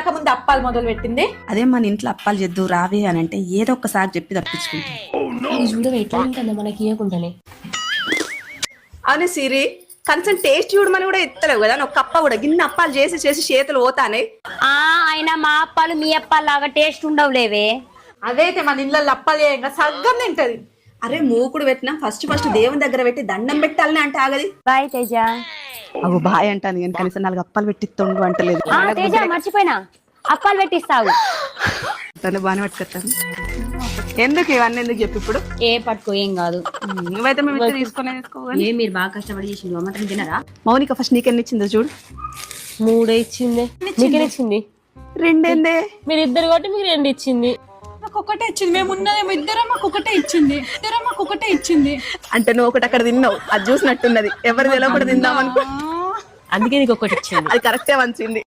పెళ్ళాక ముందు అప్పాలు మొదలు పెట్టింది. అదే మన ఇంట్లో అప్పాలు చేద్దు రావే అని అంటే ఏదో ఒక్కసారి చెప్పి తప్పించుకుంటాం. చూడవే ఎట్లా ఉంటుందో మనకి ఇవ్వకుండానే. అవును సిరి, కనీసం టేస్ట్ చూడమని కూడా ఎత్తలేవు కదా. ఒక కప్ప కూడా గిన్నె అప్పాలు చేసి చేసి చేతులు పోతానే. అయినా మా అప్పాలు మీ అప్పాలు లాగా టేస్ట్ ఉండవులేవే. అదైతే మన ఇళ్ళల్లో అప్పాలు చేయంగా సగ్గం తింటది. అరే మూకుడు పెట్టినా ఫస్ట్ దేవుని దగ్గర పెట్టి దండం పెట్టాలని అంటే ఆగది. బాయ్ తేజ. అవు బాయ్ అంటాను కానీ కనీసం 4 అప్పాలు పెట్టిస్తుండు అంటలేదు. తేజ మర్చిపోయినా, అప్పాలు పెట్టిస్తావు. బాగానే పట్టుకొస్తాను. ఎందుకు ఇవన్నీ ఎందుకు చెప్పి ఇప్పుడు? ఏ పట్టుకో, ఏం కాదు. నువ్వైతే మేము ఇద్దరు తీసుకోవాలి. ఏ మీరు బాగా కష్టపడి చేసిండు, అమ్మటం తినరా? మౌనిక ఫస్ట్ నీకెన్ని ఇచ్చిందో చూడు. 3 ఇచ్చింది. నీకెన్ని ఇచ్చింది? 2 మీరు ఇద్దరు కాబట్టి మీకు 2 ఇచ్చింది. మాకు ఒకటే ఇచ్చింది. మేము ఉన్నదేమో ఇద్దరం, మాకు ఒకటే ఇచ్చింది. అంటే నువ్వు ఒకటి అక్కడ తిన్నావు, అది చూసినట్టున్నది. ఎవరు తెలియకుండా తిందాం అనుకో, అందుకే నీకు ఒకటి ఇచ్చింది. అది కరెక్టే మంచింది.